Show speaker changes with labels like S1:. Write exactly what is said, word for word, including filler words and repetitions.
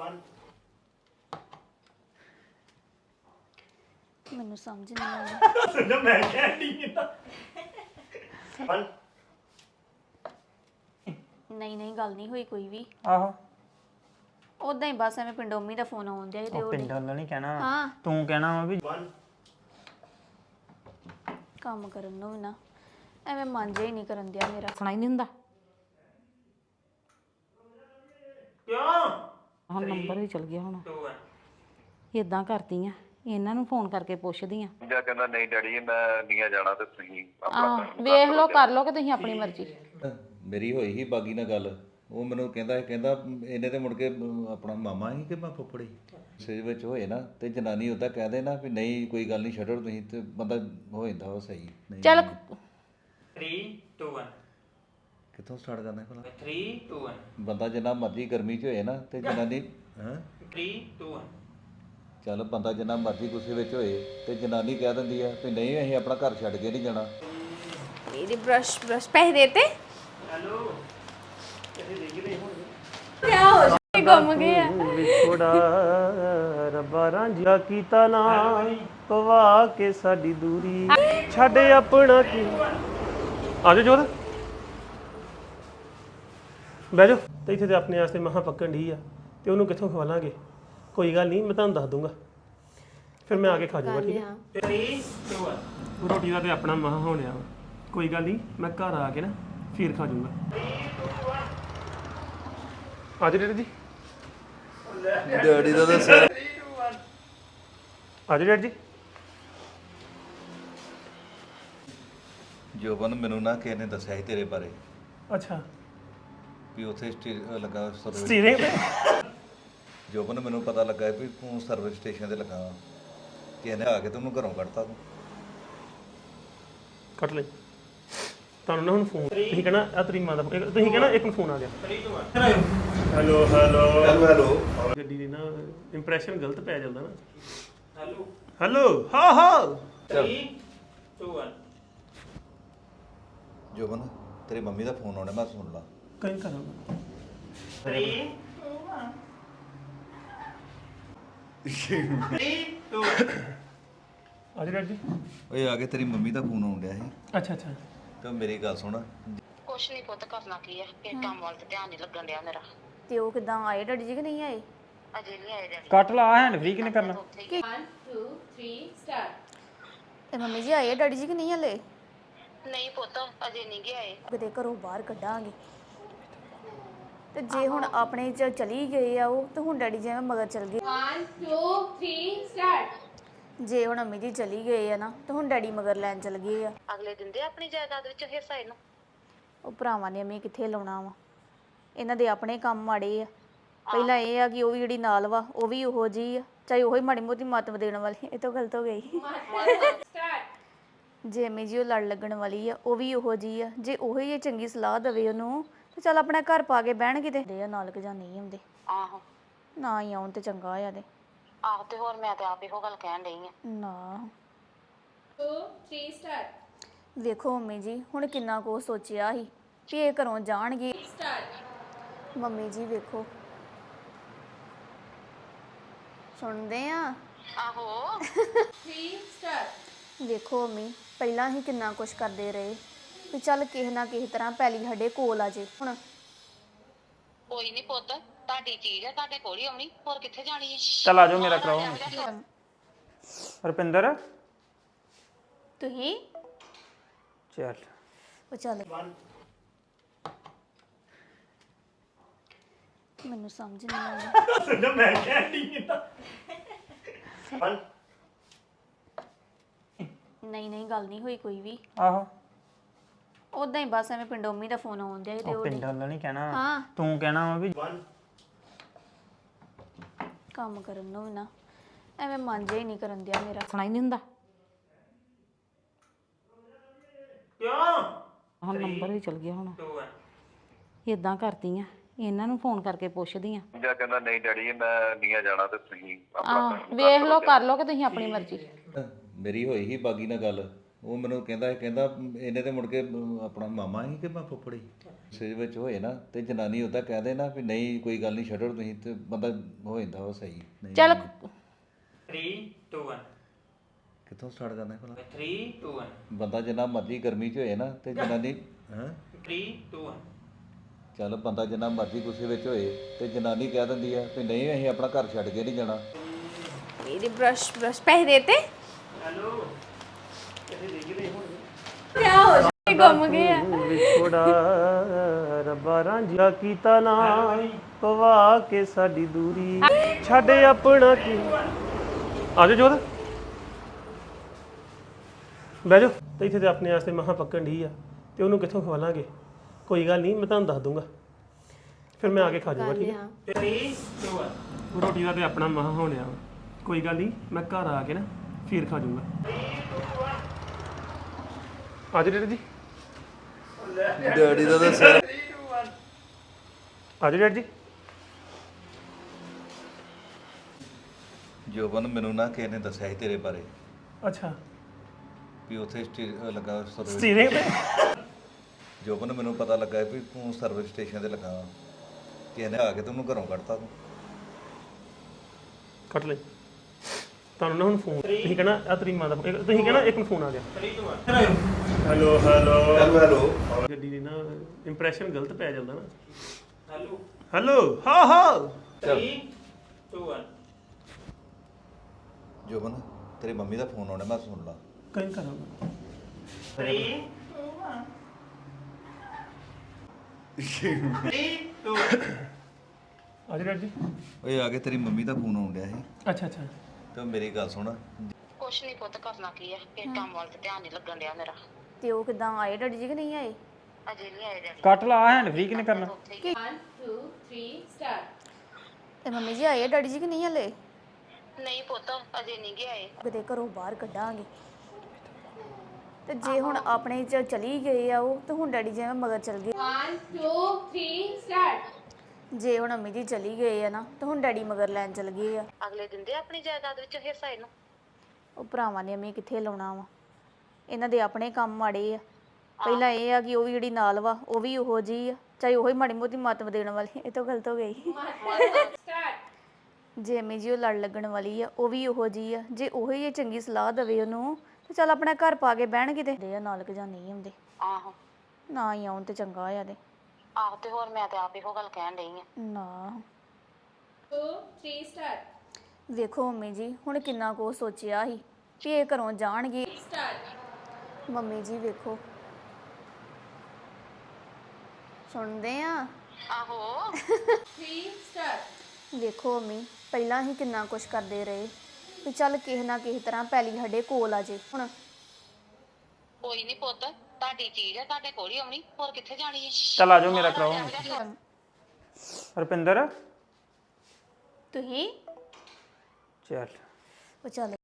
S1: ਮੈਨੂੰ ਸਮਝ ਨਹੀਂ ਆਉਂਦੀ
S2: ਸੁਣ ਮੈਂ ਕਹਿ ਕੀਤਾ
S1: ਨਹੀਂ ਨਹੀਂ ਗੱਲ ਨਹੀਂ ਹੋਈ ਕੋਈ ਵੀ
S3: ਆਹੋ
S1: ਉਦਾਂ ਹੀ ਬਸ ਐਵੇਂ ਪਿੰਡੋਮੀ ਦਾ ਫੋਨ ਆਉਣ ਡਿਆ ਸੀ ਤੇ
S3: ਉਹ
S1: ਉਹ
S3: ਪਿੰਡ ਵਾਲਾ ਨਹੀਂ ਕਹਿਣਾ
S1: ਹਾਂ
S3: ਤੂੰ ਕਹਿਣਾ ਵਾ ਵੀ
S1: ਕੰਮ ਕਰਨ ਨੂੰ ਵੀ ਨਾ ਐਵੇਂ ਮਨ ਜਿਹਾ ਹੀ ਨਹੀਂ ਕਰਨ ਦਿਆ ਮੇਰਾ
S4: ਸੁਣਾਈ ਨਹੀਂ ਹੁੰਦਾ
S2: ਕਿਉਂ
S4: ਆਹ ਨੰਬਰ ਵੀ ਚਲ ਗਿਆ ਹੁਣ ਇਦਾਂ ਕਰਦੀ ਆ ਇਹਨਾਂ ਨੂੰ ਫੋਨ ਕਰਕੇ ਪੁੱਛਦੀ ਆ
S5: ਜਾਂ ਕਹਿੰਦਾ ਨਹੀਂ ਡੈਡੀ ਮੈਂ ਨਹੀਂ ਜਾਣਾ ਤੇ ਤੁਸੀਂ
S4: ਆਹ ਵੇਖ ਲਓ ਕਰ ਲਓ ਕਿ ਤੁਸੀਂ ਆਪਣੀ ਮਰਜ਼ੀ
S6: ਮੇਰੀ ਹੋਈ ਸੀ ਬਾਗੀ ਨਾਲ ਗੱਲ ਉਹ ਮੈਨੂੰ ਕਹਿੰਦਾ ਕਹਿੰਦਾ ਇਹਨੇ ਤੇ ਮੁੜ ਕੇ ਆਪਣਾ ਮਾਮਾ ਹੀ ਕਿ ਮੈਂ ਫੁੱਫੜੀ ਸਿਰ ਵਿੱਚ ਹੋਏ ਨਾ ਤੇ ਜਨਾਨੀ ਉਹਦਾ ਕਹਦੇ ਨਾ ਵੀ ਨਹੀਂ ਕੋਈ ਗੱਲ ਨਹੀਂ ਛੱਡੋ ਤੁਸੀਂ ਤੇ ਬੰਦਾ ਹੋ ਜਾਂਦਾ ਉਹ ਸਹੀ ਨਹੀਂ
S4: ਚੱਲ
S2: three two one
S6: ਕਿੱਥੋਂ ਸਟਾਰਟ ਕਰਨਾ ਭਲਾ
S2: three two one
S6: ਬੰਦਾ ਜਿੰਨਾ ਮਰਜ਼ੀ ਗਰਮੀ 'ਚ ਹੋਏ ਨਾ ਤੇ ਜਨਾਨੀ ਹਾਂ
S2: three two one
S6: ਚੱਲ ਬੰਦਾ ਜਿੰਨਾ ਮਰਜ਼ੀ ਗੁੱਸੇ ਵਿੱਚ ਹੋਏ ਤੇ ਜਨਾਨੀ ਕਹਿ ਦਿੰਦੀ ਆ ਵੀ ਨਹੀਂ ਅਸੀਂ ਆਪਣਾ ਘਰ ਛੱਡ ਕੇ ਨਹੀਂ ਜਾਣਾ
S1: ਮੇਰੀ ਬ੍ਰਸ਼ ਬ੍ਰਸ਼ ਪੈਸੇ ਦੇਤੇ
S2: ਹੈਲੋ ਕਿੱਥੇ ਦੇਖ ਰਹੇ ਹੋ
S1: ਕਿਆ ਹੋ ਗਿਆ ਗੁੰਮ ਗਿਆ
S3: ਥੋੜਾ ਰੱਬਾ ਰਾਂਝਾ ਕੀਤਾ ਨਾ ਪਵਾ ਕੇ ਸਾਡੀ ਦੂਰੀ ਛੱਡ ਆਪਣਾ ਕੀ ਆਜੋ ਜੋਰ ਬਹਿ ਜਾਓ ਤੇ ਇੱਥੇ ਤੇ ਆਪਣੇ ਵਾਸਤੇ ਮਹਾ ਪੱਕਣ ਢੀ ਆ ਤੇ ਉਹਨੂੰ ਕਿੱਥੋਂ ਖਵਾਲਾਂਗੇ ਕੋਈ ਗੱਲ ਨਹੀਂ ਮੈਂ ਤੁਹਾਨੂੰ ਦੱਸ ਦੂੰਗਾ ਫਿਰ ਮੈਂ ਆ ਕੇ ਖਾ ਜਾਊਗਾ ਠੀਕ ਹੈ
S2: three two one
S3: ਰੋਟੀ ਦਾ ਤੇ ਆਪਣਾ ਮਹਾ ਹੋਣਿਆ ਵਾ ਕੋਈ ਗੱਲ ਨਹੀਂ ਮੈਂ ਘਰ ਆ ਕੇ ਨਾ ਫਿਰ ਖਾ ਜਾਊਂਗਾ ਆਜੋ ਡੈਡੀ ਜੀ
S6: ਡੈਡੀ ਦਾ ਦੱਸਿਆ
S3: ਆਜੋ ਡੈਡੀ ਜੀ
S6: ਜੋਬਨ ਮੈਨੂੰ ਨਾ ਕਿਸੇ ਨੇ ਦੱਸਿਆ ਸੀ ਤੇਰੇ ਬਾਰੇ
S3: ਅੱਛਾ
S6: ਵੀ ਉੱਥੇ ਸਟੇ ਲੱਗਾ ਸਰਵਿਸ
S3: ਸਟੀਰਿੰਗ ਤੇ
S6: ਜੋਬਨ ਮੈਨੂੰ ਪਤਾ ਲੱਗਾ ਵੀ ਤੂੰ ਸਰਵਿਸ ਸਟੇਸ਼ਨ ਤੇ ਲੱਗਾ ਵਾਂ। ਕਿਸੇ ਨੇ ਆ ਕੇ ਤੈਨੂੰ ਘਰੋਂ ਕੱਢਤਾ ਤੂੰ
S3: ਕੱਟ ਲੈ ਤੁਹਾਨੂੰ ਨਾ ਹੁਣ ਫੋਨ ਤੁਸੀਂ ਕਹਿਣਾ ਆ ਤੇਰੀ ਮਾਂ ਦਾ phone- ਤੁਸੀਂ ਕਹਿਣਾ ਇੱਕ ਨੂੰ ਫੋਨ ਆ ਗਿਆ ਹੈਲੋ ਹੈਲੋ
S6: ਹੈਲੋ ਹੈਲੋ
S3: ਗੱਡੀ ਦੀ ਨਾ ਇੰਪ੍ਰੈਸ਼ਨ ਗਲਤ ਪੈ ਜਾਂਦਾ ਨਾ
S2: ਹੈਲੋ
S3: ਹੈਲੋ ਹਾਂ ਹਾਂ
S2: three two one
S6: ਜੋਬਨ ਤੇਰੀ ਮੰਮੀ ਦਾ ਫੋਨ ਆਉਣਾ ਮੈਂ ਸੁਣ ਲਾ
S3: ਕਹੀਂ ਕਰਾਂਗਾ
S2: three three two
S3: ਆਜੋ ਡੈਡੀ ਜੀ
S6: ਓਏ ਆ ਕੇ ਤੇਰੀ ਮੰਮੀ ਦਾ ਫੋਨ ਆਉਣ ਡਿਆ ਸੀ
S3: ਅੱਛਾ ਅੱਛਾ
S6: ਤੇ ਮੇਰੀ ਗੱਲ ਸੁਣ
S7: ਕੁਛ ਨਹੀਂ ਪੁੱਤ ਕਰਨਾ ਕੀ ਹੈ ਕਿ ਕੰਮ ਵੱਲ ਤੇ ਧਿਆਨ ਨਹੀਂ ਲੱਗਣ ਡਿਆ ਮੇਰਾ
S1: ਤੇ ਉਹ ਕਿਦਾਂ ਆਏ ਡੈਡੀ ਜੀ ਕਿ ਨਹੀਂ ਆਏ
S7: ਅਜੇ ਨਹੀਂ ਆਏ ਡੈਡੀ
S3: ਕੱਟ ਲਾ ਹੈਂਡ ਫ੍ਰੀ ਕਿਨੇ ਕਰਨਾ
S1: ਤੇ ਮੰਮੀ ਜੀ ਆਏ ਡੈਡੀ ਜੀ ਕਿ ਨਹੀਂ ਹਲੇ
S7: ਨਹੀਂ ਪੁੱਤ ਅਜੇ ਨਹੀਂ ਗਏ ਆਏ
S1: ਕਿਤੇ ਘਰੋਂ ਬਾਹਰ ਕੱਢਾਂਗੇ ਤੇ ਜੇ ਹੁਣ ਆਪਣੇ ਚ ਚਲੀ ਗਏ ਆ ਉਹ ਤੇ ਹੁਣ ਡੈਡੀ ਜੀ ਐਵੇਂ ਮਗਰ ਚਲ ਗਏ one two three start ਜੇ ਹੁਣ ਅੰਮੀ ਜੀ ਚਲੀ ਗਏ ਆ ਨਾ ਤੇ ਹੁਣ ਡੈਡੀ ਮਗਰ ਲੈਣ ਚਲ ਗਏ ਆ
S7: ਅਗਲੇ ਦਿਨ ਦੇ ਆਪਣੀ ਜਾਇਦਾਦ ਵਿੱਚ ਹਿੱਸਾ ਇਹਨੂੰ
S1: ਉਹ ਭਰਾਵਾਂ ਨੇ ਅੰਮੀ ਕਿੱਥੇ ਲਾਉਣਾ ਵਾ ਇਹਨਾਂ ਦੇ ਆਪਣੇ ਕੰਮ ਮਾੜੇ ਆ ਪਹਿਲਾਂ ਇਹ ਆ ਕਿ ਉਹ ਵੀ ਜਿਹੜੀ ਨਾਲ ਵਾ ਉਹ ਵੀ ਉਹੋ ਜੀ ਆ ਚਾਹੇ ਉਹੀ ਮਾੜੀ ਮੋਟੀ ਮੱਤ ਦੇਣ ਵਾਲੀ ਇਹ ਤਾਂ ਗਲਤ ਹੋ ਗਈ ਜੇ ਅੰਮੀ ਜੀ ਉਹ ਲੜ ਲੱਗਣ ਵਾਲੀ ਆ ਉਹ ਵੀ ਉਹੋ ਜੀ ਆ ਜੇ ਉਹੀ ਇਹ ਚੰਗੀ ਸਲਾਹ ਦੇਵੇ ਉਹਨੂੰ ਤੇ ਚੱਲ ਆਪਣਾ ਘਰ ਪਾ ਕੇ ਬਹਿਣ ਕਿਤੇ ਦੇ ਨਾਲ ਕਿ ਜਾਂ ਨਹੀਂ ਆਉਂਦੇ
S7: ਆਹੋ
S1: ਨਾ ਹੀ ਆਉਣ ਤੇ ਚੰਗਾ ਆ ਤੇ
S7: ਆਹੋ ਤੇ ਹੋਰ ਮੈਂ ਤੇ ਆਪ ਇਹੋ ਗੱਲ ਕਹਿਣ ਡਈ ਆ
S1: ਨਾ two three start ਵੇਖੋ ਮੰਮੀ ਜੀ ਹੁਣ ਕਿੰਨਾ ਕੁ ਸੋਚਿਆ ਸੀ ਵੀ ਇਹ ਘਰੋਂ ਜਾਣਗੇ ਸਟਾਰਟ ਮੰਮੀ ਜੀ ਵੇਖੋ ਸੁਣਦੇ ਆ
S7: ਆਹੋ
S1: three start ਵੇਖੋ ਮੰਮੀ ਪਹਿਲਾਂ ਹੀ ਕਿੰਨਾ ਕੁਛ ਕਰਦੇ ਰਹੇ ਵੀ ਚੱਲ ਕਿਸੇ ਨਾ ਕਿਸੇ ਤਰ੍ਹਾਂ ਪੈਲੀ ਸਾਡੇ ਕੋਲ ਆ ਜੇ ਹੁਣ
S7: ਕੋਈ ਨਹੀਂ ਪੁੱਤ ਤੁਹਾਡੀ ਚੀਜ਼ ਹੈ ਤੁਹਾਡੇ ਕੋਲ ਹੀ ਆਉਣੀ ਹੋਰ ਕਿੱਥੇ ਜਾਣੀ ਹੈ
S3: ਚੱਲ ਆਜੋ ਮੇਰਾ ਕਰਾਓ ਰੁਪਿੰਦਰ
S1: ਤੁਸੀਂ
S3: ਚੱਲ
S1: ਉਹ ਚੱਲ ਮੈਨੂੰ ਸਮਝ ਨਹੀਂ ਆਉਂਦੀ
S2: ਸੁਣ ਮੈਂ ਕਹਿ ਕੀਤਾ
S1: ਨਹੀਂ ਨਹੀਂ ਗੱਲ ਨਹੀਂ ਹੋਈ ਕੋਈ ਵੀ
S3: ਆਹੋ
S1: ਉਦਾਂ ਹੀ ਬਸ ਐਵੇਂ ਪਿੰਡੋਮੀ ਦਾ ਫੋਨ ਆਉਣ ਡਿਆ ਸੀ ਤੇ
S3: ਉਹ
S1: ਉਹ
S3: ਪਿੰਡ ਵਾਲਾ ਨਹੀਂ ਕਹਿਣਾ
S1: ਹਾਂ
S3: ਤੂੰ ਕਹਿਣਾ ਵਾ ਵੀ
S1: ਕੰਮ ਕਰਨ ਨੂੰ ਵੀ ਨਾ ਐਵੇਂ ਮਨ ਜਿਹਾ ਹੀ ਨਹੀਂ ਕਰਨ ਦਿਆ ਮੇਰਾ
S4: ਸੁਣਾਈ ਨਹੀਂ ਹੁੰਦਾ
S2: ਕਿਉਂ
S4: ਆਹ ਨੰਬਰ ਵੀ ਚਲ ਗਿਆ ਹੁਣ
S2: two one
S4: ਇਦਾਂ ਕਰਦੀ ਆ ਇਹਨਾਂ ਨੂੰ ਫੋਨ ਕਰਕੇ ਪੁੱਛਦੀ ਆ
S5: ਜਾਂ ਕਹਿੰਦਾ ਨਹੀਂ ਡੈਡੀ ਮੈਂ ਨਹੀਂ ਜਾਣਾ ਤੇ ਤੁਸੀਂ
S4: ਆਹ ਵੇਖ ਲਓ ਕਰ ਲਓ ਕਿ ਤੁਸੀਂ ਆਪਣੀ ਮਰਜ਼ੀ
S6: ਮੇਰੀ ਹੋਈ ਸੀ ਬਾਗੀ ਨਾਲ ਗੱਲ ਉਹ ਮੈਨੂੰ ਕਹਿੰਦਾ ਕਹਿੰਦਾ ਇਹਨੇ ਤੇ ਮੁੜ ਕੇ ਆਪਣਾ ਮਾਮਾ ਹੀ ਕਿ ਮੈਂ ਫੁੱਫੜੀ ਸੇਜ ਵਿੱਚ ਹੋਏ ਨਾ ਤੇ ਜਨਾਨੀ ਉਹਦਾ ਕਹਿ ਦੇ ਨਾ ਵੀ ਨਹੀਂ ਕੋਈ ਗੱਲ ਨਹੀਂ ਛੱਡੋ ਤੁਸੀਂ ਤੇ ਬੰਦਾ ਹੋ ਜਾਂਦਾ ਵਾ ਸਹੀ ਨਹੀਂ
S4: ਚੱਲ
S2: three two one
S6: ਕਿੱਥੋਂ ਸਟਾਰਟ ਕਰਨਾ ਭਲਾ
S2: three two one
S6: ਬੰਦਾ ਜਿੰਨਾ ਮਰਜ਼ੀ ਗਰਮੀ 'ਚ ਹੋਏ ਨਾ ਤੇ ਜਨਾਨੀ ਹਾਂ
S2: three two one
S6: ਚੱਲ ਬੰਦਾ ਜਿੰਨਾ ਮਰਜ਼ੀ ਗੁੱਸੇ ਵਿੱਚ ਹੋਏ ਤੇ ਜਨਾਨੀ ਕਹਿ ਦਿੰਦੀ ਆ ਵੀ ਨਹੀਂ ਅਸੀਂ ਆਪਣਾ ਘਰ ਛੱਡ ਕੇ ਨਹੀਂ ਜਾਣਾ
S1: ਇਹਦੇ ਬ੍ਰਸ਼ ਬ੍ਰਸ਼ ਪੈਸੇ ਦੇਤੇ
S2: ਹੈਲੋ ਕਿੱਥੇ ਦੇਖ ਰਹੇ ਹੁਣ
S1: ਕਿਆ ਹੋ ਜਾਏ ਗੁੰਮ ਗਏ ਆ
S3: ਵਿਛੋੜਾ ਰੱਬਾ ਰਾਂਝਾ ਕੀਤਾ ਨਾ ਪਵਾ ਕੇ ਸਾਡੀ ਦੂਰੀ ਛੱਡ ਆਪਣਾ ਕੀ ਆ ਜਾ ਜੋਤ ਬਹਿ ਜਾ ਤੇ ਇੱਥੇ ਤੇ ਆਪਣੇ ਵਾਸਤੇ ਮਹਾ ਪੱਕਣ ਢੀ ਆ ਤੇ ਉਹਨੂੰ ਕਿੱਥੋਂ ਖਵਾਲਾਂਗੇ ਕੋਈ ਗੱਲ ਨਹੀਂ ਮੈਂ ਤੁਹਾਨੂੰ ਦੱਸ ਦੂੰਗਾ ਫਿਰ ਮੈਂ ਆ ਕੇ ਖਾ ਜਾਊਗਾ ਠੀਕ ਹੈ
S2: three two one
S3: ਰੋਟੀ ਦਾ ਤੇ ਆਪਣਾ ਮਹਾ ਹੋਣਿਆ ਵਾ। ਕੋਈ ਗੱਲ ਨਹੀਂ ਮੈਂ ਘਰ ਆ ਕੇ ਨਾ ਫਿਰ ਖਾ ਜਾਊਂਗਾ ਆ ਜਾ ਡੇਢ ਜੀ
S6: ਡੈਡੀ ਦਾ ਤਾਂ ਸਿਰ
S3: ਆ ਜਾ ਡੇਢ ਜੀ
S6: ਜੋਬਨ ਮੈਨੂੰ ਨਾ ਕਿਸੇ ਨੇ ਦੱਸਿਆ ਸੀ ਤੇਰੇ ਬਾਰੇ
S3: ਅੱਛਾ
S6: ਵੀ ਉੱਥੇ ਸਟੇ- ਲੱਗਾ ਸਰਵਿਸ
S3: ਸਟੀਰਿੰਗ ਤੇ
S6: ਜੋਬਨ ਮੈਨੂੰ ਪਤਾ ਲੱਗਾ ਵੀ ਤੂੰ ਸਰਵਿਸ ਸਟੇਸ਼ਨ ਤੇ ਲੱਗਾ ਵਾ। ਕਿਸੇ ਨੇ ਆ ਕੇ ਤੈਨੂੰ ਘਰੋਂ ਕੱਢਤਾ ਤੂੰ
S3: ਕੱਟ ਲੈ ਤੁਹਾਨੂੰ ਨਾ ਹੁਣ ਫੋਨ ਤੁਸੀਂ ਕਹਿਣਾ ਆ ਤੇਰੀ ਮਾਂ ਦਾ phone- ਇੱਕ- ਤੁਸੀਂ ਕਹਿਣਾ ਇੱਕ ਨੂੰ ਫੋਨ ਆ ਗਿਆ ਹੈਲੋ ਹੈਲੋ
S6: ਹੈਲੋ ਹੈਲੋ
S3: ਗੱਡੀ ਦੀ ਨਾ ਇੰਪ੍ਰੈਸ਼ਨ ਗਲਤ ਪੈ ਜਾਂਦਾ ਨਾ
S2: ਹੈਲੋ
S3: ਹੈਲੋ ਹਾਂ ਹਾਂ
S2: three two one
S6: ਜੋਬਨ ਤੇਰੀ ਮੰਮੀ ਦਾ ਫੋਨ ਆਉਣਾ ਮੈਂ ਸੁਣ ਲਾ
S3: ਕਹੀਂ ਕਰਾਂਗਾ
S2: three three two
S3: ਆ ਜਾ ਜੀ
S6: ਓਏ ਆ ਕੇ ਤੇਰੀ ਮੰਮੀ ਦਾ ਫੋਨ ਆਉਣ ਡਿਆ ਸੀ
S3: ਅੱਛਾ ਅੱਛਾ
S6: ਤੇ ਮੇਰੀ ਗੱਲ ਸੁਣ
S7: ਕੁਛ ਨਹੀਂ ਪੁੱਤ ਕਰਨਾ ਕੀ ਆ ਇਹ ਕੰਮ ਵੱਲ ਤੇ ਧਿਆਨ ਨਹੀਂ ਲੱਗਣ ਡਿਆ ਮੇਰਾ
S1: ਤੇ ਉਹ ਕਿਦਾਂ ਆਏ ਡੈਡੀ ਜੀ ਕਿ ਨਹੀਂ ਆਏ
S7: ਅਜੇ ਨਹੀਂ ਆਏ ਡੈਡੀ
S2: ਕੱਟ ਲਾ ਹੈਂਡ ਫ੍ਰੀ ਕਿਨੇ ਕਰਨਾ
S1: ਤੇ ਮੰਮੀ ਜੀ ਆਏ ਡੈਡੀ ਜੀ ਕਿ ਨਹੀਂ ਹਲੇ
S7: ਨਹੀਂ ਪੁੱਤ ਅਜੇ ਨਹੀਂ ਗਏ ਆਏ
S1: ਕਿਤੇ ਘਰੋਂ ਬਾਹਰ ਕੱਢਾਂਗੇ ਤੇ ਜੇ ਹੁਣ ਆਪਣੇ ਚ ਚਲੀ ਗਏ ਆ ਉਹ ਤੇ ਹੁਣ ਡੈਡੀ ਜਿਵੇਂ ਮਗਰ ਚਲ ਗਏ one two three start ਜੇ ਹੁਣ ਅੰਮੀ ਜੀ ਚਲੀ ਗਏ ਆ ਨਾ ਤੇ ਹੁਣ ਡੈਡੀ ਮਗਰ ਲੈਣ ਚਲ ਗਏ ਆ
S7: ਅਗਲੇ ਦਿੰਦੇ ਆਪਣੀ ਜਾਇਦਾਦ ਵਿੱਚ ਹਿੱਸਾ ਇਹਨੂੰ
S1: ਉਹ ਭਰਾਵਾਂ ਨੇ ਅੰਮੀ ਕਿੱਥੇ ਲਾਉਣਾ ਵਾ ਇਹਨਾਂ ਦੇ ਆਪਣੇ ਕੰਮ ਮਾੜੇ ਆ ਪਹਿਲਾਂ ਇਹ ਆ ਕਿ ਉਹ ਵੀ ਜਿਹੜੀ ਨਾਲ ਵਾ ਉਹ ਵੀ ਉਹੋ ਜੀ ਆ ਚਾਹੇ ਉਹੀ ਮਾੜੀ ਮੋਟੀ ਮੱਤ ਦੇਣ ਵਾਲੀ ਇਹ ਤਾਂ ਗਲਤ ਹੋ ਗਈ ਜੇ ਅੰਮੀ ਜੀ ਉਹ ਲੜ ਲੱਗਣ ਵਾਲੀ ਆ ਉਹ ਵੀ ਉਹੋ ਜੀ ਆ ਜੇ ਉਹੀ ਇਹ ਚੰਗੀ ਸਲਾਹ ਦੇਵੇ ਉਹਨੂੰ ਤੇ ਚੱਲ ਆਪਣਾ ਘਰ ਪਾ ਕੇ ਬਹਿਣ ਕਿਤੇ ਦੇ ਨਾਲ ਕਿ ਜਾਂ ਨਹੀਂ ਹੁੰਦੇ
S7: ਆਹੋ
S1: ਨਾ ਹੀ ਆਉਣ ਤੇ ਚੰਗਾ ਆ ਦੇ
S7: ਆਹੋ ਤੇ ਹੋਰ ਮੈਂ ਤੇ ਆਪ ਇਹੋ ਗੱਲ ਕਹਿਣ ਡਈ ਆ
S1: ਨਾ two three start ਵੇਖੋ ਮੰਮੀ ਜੀ ਹੁਣ ਕਿੰਨਾ ਕੁ ਸੋਚਿਆ ਸੀ ਕਿ ਇਹ ਘਰੋਂ ਜਾਣਗੇ ਮੰਮੀ ਜੀ ਵੇਖੋ ਸੁਣਦੇ ਆ
S7: ਆਹੋ
S1: three start ਵੇਖੋ ਮੰਮੀ ਪਹਿਲਾਂ ਹੀ ਕਿੰਨਾ ਕੁਛ ਕਰਦੇ ਰਹੇ ਵੀ ਚੱਲ ਕਿਸੇ ਨਾ ਕਿਸੇ ਤਰ੍ਹਾਂ ਪਹਿਲੀ ਸਾਡੇ ਕੋਲ ਆ ਜੇ ਹੁਣ
S7: ਕੋਈ ਨਹੀਂ ਪੁੱਤ ਤੁਹਾਡੀ ਚੀਜ਼ ਆ ਤੁਹਾਡੇ ਕੋਲ ਹੀ ਆਉਣੀ ਹੋਰ ਕਿੱਥੇ ਜਾਣੀ ਹੈ
S2: ਚੱਲ ਆ ਜਾਓ ਮੇਰਾ ਕਰਾਓ ਰੁਪਿੰਦਰ
S1: ਤੁਸੀਂ
S2: ਚੱਲ
S1: ਉਹ ਚੱਲ